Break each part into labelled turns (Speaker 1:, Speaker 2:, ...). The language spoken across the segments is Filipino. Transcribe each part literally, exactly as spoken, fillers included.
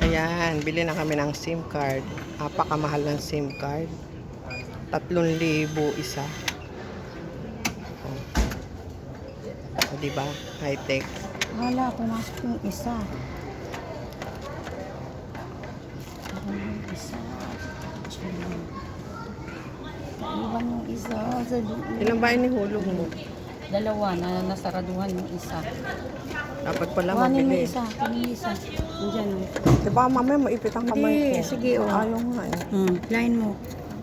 Speaker 1: Ayan, bili na kami ng SIM card. Napakamahal ng SIM card. Tatlong libo isa. Oh. O, diba? High-tech.
Speaker 2: Wala, pumasok yung isa. Yung isa. Iwan yung isa sa loob.
Speaker 1: Ilan ba inihulog mo?
Speaker 2: Dalawa na nasaraduhan yung isa.
Speaker 1: Dapat pala
Speaker 2: Kuhanin mo
Speaker 1: mabili.
Speaker 2: isa. Kuhanin mo isa. Diyan o.
Speaker 1: Diba mamaya maipit ang kamay ko?
Speaker 2: Hindi, sige, oh.
Speaker 1: Ayaw nga eh.
Speaker 2: Hmm, line mo.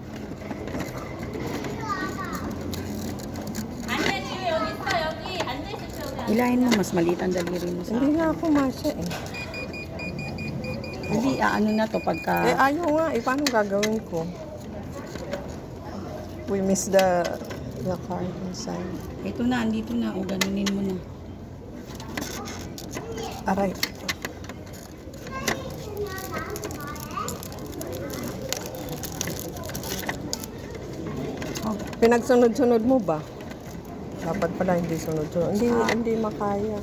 Speaker 2: Ilahin mo, mas maliit ang daliri mo sa
Speaker 1: Hindi nga ako masya eh.
Speaker 2: Hindi, ano na to pagka...
Speaker 1: Eh ayaw nga eh. Paano gagawin ko? We miss the the card inside.
Speaker 2: Ito na, andito na. O, ganunin mo na.
Speaker 1: Aray.
Speaker 2: Oh,
Speaker 1: Pinagsunod-sunod mo ba? Dapat pala hindi sunod-sunod. Hindi, hindi makaya.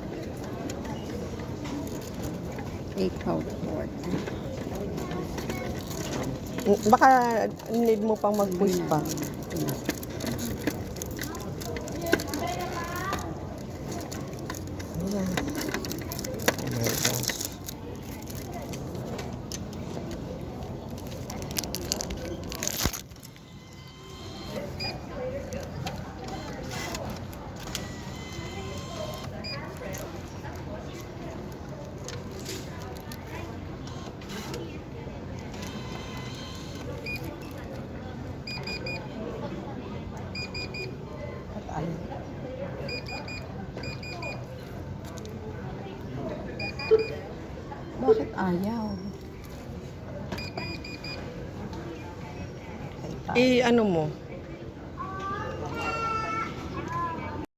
Speaker 2: eight out four.
Speaker 1: Baka need mo pang mag-push pa. Ayan. Oh my gosh.
Speaker 2: Bakit ayaw?
Speaker 1: Eh, ano mo?